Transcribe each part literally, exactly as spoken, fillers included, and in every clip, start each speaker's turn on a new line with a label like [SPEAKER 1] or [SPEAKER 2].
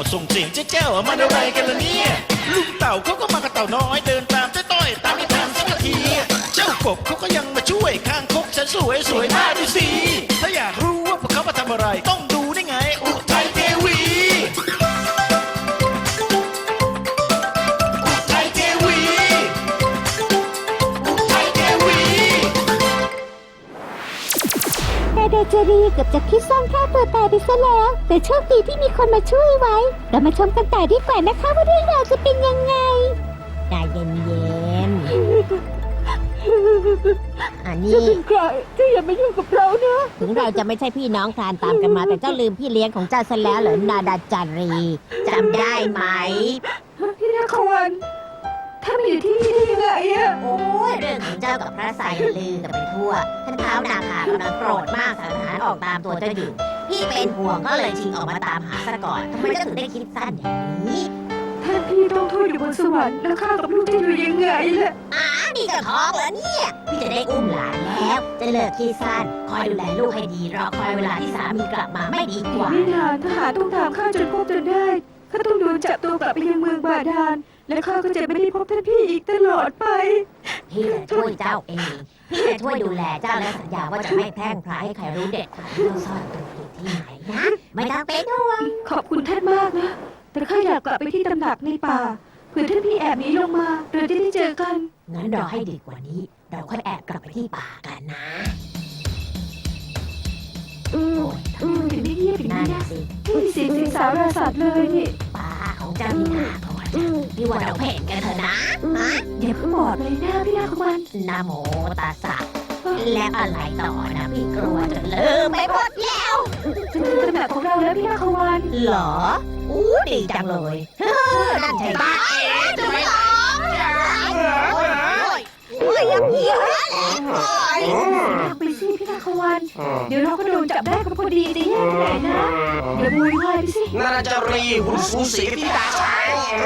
[SPEAKER 1] าวส่งเสียงเจ๊เจ้ามันอะไรกันล่ะเนี่ยลุงเต่าเขาก็มากับเต่าน้อยเดินตามเจ๊ต้อยตามไม่ทันสักทีเจ้ากบเขาก็ยังมาช่วยข้างคกฉันสวยสวยหน้าดูสิถ้าอยากรู้ว่าพวกเขามาทำอะไรต้องดูได้ไงอุทัยเทวีอุทัยเทวีอุทัยเทวี
[SPEAKER 2] นาดาจารีเกือบจะคิดสั้นฆ่าตัวตายไปซะแล้วแต่โชคดีที่มีคนมาช่วยไว้เรามาชมกันต่อดีกว่านะคะว่าเรื่องราวจะเป็นยังไงใจเย็นๆอันนี้ใครเจ้าอย่ามายุ่งกับเรานะถึงเราจะไม่ใช่พี่น้องคลานตามกันมาแต่เจ้าลืมพี่เลี้ยงของเจ้าซะแล้วเหรอนาดาจารีจำได้ไหมพี่นาควันถ้ามาอยู่ที่นี่ได้ยังไงอะโอ้ยเรื่องของเจ้ากับพระสายลือกันไปทั่วท่านเท้านาคากำลังโกรธมากทหารออกตามตัวเจ้าอยู่พี่เป็นห่วงก็เลยชิงออกมาตามหาซะก่อนทำไมเจ้าถึงได้คิดสั้นอย่างนี้ท่านพี่ต้องทูตอยู่บนสวรรค์แล้วข้ากับลูกจะอยู่ยังไงล่ะอ๋อนี่จะท้องเหรอเนี่ยพี่จะได้อุ้มหลานแล้วจะเลิกคิดสั้นคอยดูแลลูกให้ดีรอคอยเวลาที่สามีกลับมาไม่ดีกว่าไม่นานทหารต้องตามข้าจนพบจนได้ข้าต้องโดนจับตัวกลับไปยังเมืองบาดาลและข้าก็จะไม่ได้พบท่านพี่อีกตลอดไปพี่จะช่วยเจ้าเองพี่จะช่วยดูแลเจ้าและสัญญาว่าจะไม่แพร่งพรายให้ใครรู้เด็ดขาดว่าซ่อนตัวอยู่ที่ไหนนะไม่ต้องเป็นห่วงขอบคุณท่านมากนะแต่ข้าอยากกลับไปที่ตำหนักในป่าเผื่อท่านพี่แอบหนีลงมาเราจะได้เจอกันงั้นรอให้ดึกกว่านี้เราค่อยแอบกลับไปที่ป่ากันนะอืมอืมถึงได้เงียบอย่างนี้นะไม่มีเสียงสิงสารสัตว์เลยนี่ป่าของเจ้านี่นาก่อนพี่ว่าเราเพ่งกันเถอะนะอย่าเพิ่งบอกเลยนะพี่นาควันนะโมตัสสะแล้วอะไรต่อนะพี่กลัวจนลืมไปหมดแล้วจะถึงตำแหน่งของเราแล้วพี่นาควันเหรออู้ดีจังเลยนั่นใช่บ้าจะไม่หรอโอ้ยยังเหี้ยไปสิพี่นาควันเดี๋ยวเราก็โดนจับได้ก็พอดีจะแย่ที่ไหนนะอย่าบุยไว้ไปสิ
[SPEAKER 3] นาจารีหุ่นสูสีที่ตาชาย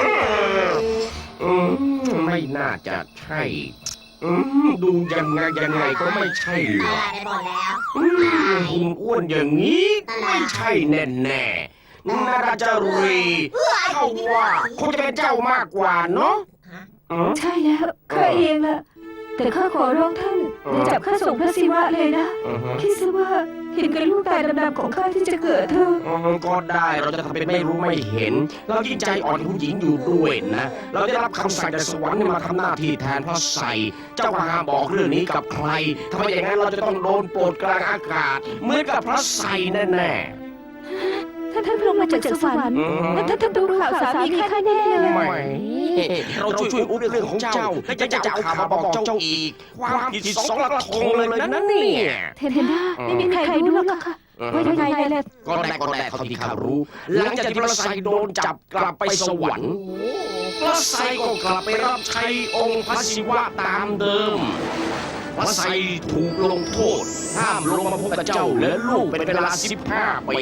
[SPEAKER 3] ไม่น่าจะใช่ดูยังไงยังไงก็ไม่ใช่หรอกหุ่นอ้วนอย่างนี้ไม่ใช่แน่แน่นาจารีเขาว่าคงจะเป็นเจ้ามากกว่าเนาะ
[SPEAKER 2] ใช่แล้วข้าเองล่ะแต่ข้าขอร้องท่านอย่าจับข้าส่งพระศิวะเลยนะคิดซะว่าเห็นกับลูกตาดำๆของข้าที่จะเกิดเธอ
[SPEAKER 3] ก็ได้เราจะทำเป็นไม่รู้ไม่เห็นเรายิ่งใจอ่อนผู้หญิงอยู่ด้วยนะเราได้รับคำสั่งจากสวรรค์มาทำหน้าที่แทนพระไสยเจ้าห้ามบอกเรื่องนี้กับใครทำไมอย่างนั้นเราจะต้องโดนโปรดกลางอากาศเหมือนกับพระไสยแน่ๆ
[SPEAKER 2] ท่านท่านลงมาจากสวรรค์แล้วท่านท่านดูข่าวสามีข้าแน่เลย
[SPEAKER 3] ไม่เราช่วยช่วยอุ้มเรื่องของเจ้าและจะจะเอาข่าวมาบอกเจ้าอีกความผิดสองกระทงเลยนั่นเนี่ย
[SPEAKER 2] เทนด้าไม่มีใครรู้หรอกค่ะว่ายังไงเลย
[SPEAKER 3] ก็ได้ก็ได้เขาที่ข้ารู้หลังจากที่พระไสยโดนจับกลับไปสวรรค์พระไสยก็กลับไปรับใช้องค์พระศิวะตามเดิมพระไสยถูกลงโทษห้ามลงมาพบกับเจ้าและลูกเป็นเวลาสิบห้าปี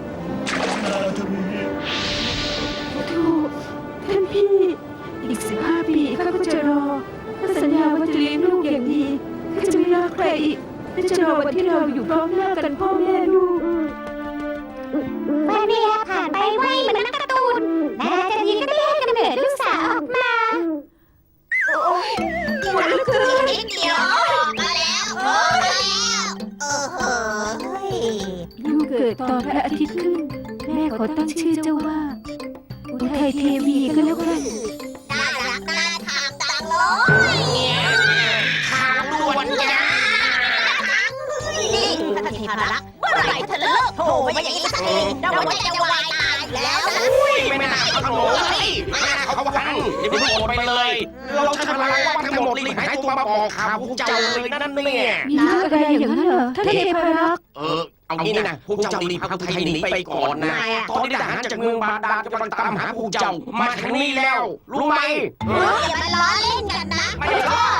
[SPEAKER 2] ถูกท่านพี่อีกสิบห้าปีข้าก็จะรอข้าสัญญาว่าจะเลี้ยงลูกอย่างดีข้าจะไม่รักใครอีกข้าจะรอวันที่เราอยู่พร้อมหน้ากันพ่อแม่ลูกวันเวลาผ่านไปไวเหมือนนักการ์ตูนนาดาจารีก็ได้ให้กำเนิดลูกสาวออกมาโอ้ยปวดเหลือเกินนิดเดียวมาแล้วโอ้มาแล้วเออเฮ้ยลูกเกิดตอนพระอาทิตย์ขึ้นแม่ขอตั้งชื่อเจ้าว่าอุทัยเทวีก็แล้วกัน
[SPEAKER 4] น่ารักน่าทางจังเลย
[SPEAKER 3] ทางด่วนจ้า
[SPEAKER 4] นี่ท่านเทพรักษ์เมื่อไหร่เธอเลิกโผล่มาอย่างนี้สักทีเราหัวใจจะวายตายแล้วนะ
[SPEAKER 3] ไม่น่าเขาขโมยไม่น่าเขาวังอย่าไปพูดไปเลยเราใช้พลังว่าทั้งหมดรีบหายตัวมาบอกข่าวพวกเจ้าเลยนั่นเนี่ย
[SPEAKER 2] มีเรื่องอะไรอย่างนั้นเหรอท่านเทพรักษ์
[SPEAKER 3] เออเอางี้นะพวกเจ้ารีบพาอุทัยหนีไปก่อนนะตอนนี้ทหารจากเมืองบาดาลกำลังตามหาพวกเจ้ามาทางนี้แล้วรู้ไหม
[SPEAKER 4] อย่ามาล้อเล่นกันนะ
[SPEAKER 3] ไม่ล้อ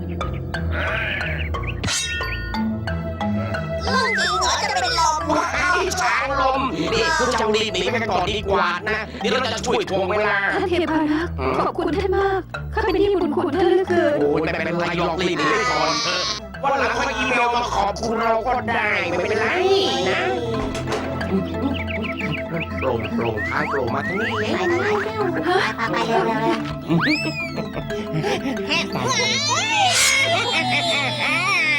[SPEAKER 4] เรื่องจริงเหรอจะเป็นลม
[SPEAKER 3] ว้ายช้างลมนี่พวกเจ้ารีบหนีไปก่อนดีกว่านะเดี๋ยวเราจะช่วยทวงเวลา
[SPEAKER 2] ท่านเทพรักษ์ขอบคุณท่านมากข้าเป็นที่บุญคุณท่านเหลือเกิน
[SPEAKER 3] โอ้ยไม่เป็นไรหรอกรีบหนีไปก่อนเถอะวันหลังค่อยอีเมลมาขอบคุณเราก็ได้ไม่เป็นไรนะนั่นโปร่งโปร่งท้ายโปร่งมาทั้งนี้
[SPEAKER 4] ไปไปไปเร็วเร็วเร็ว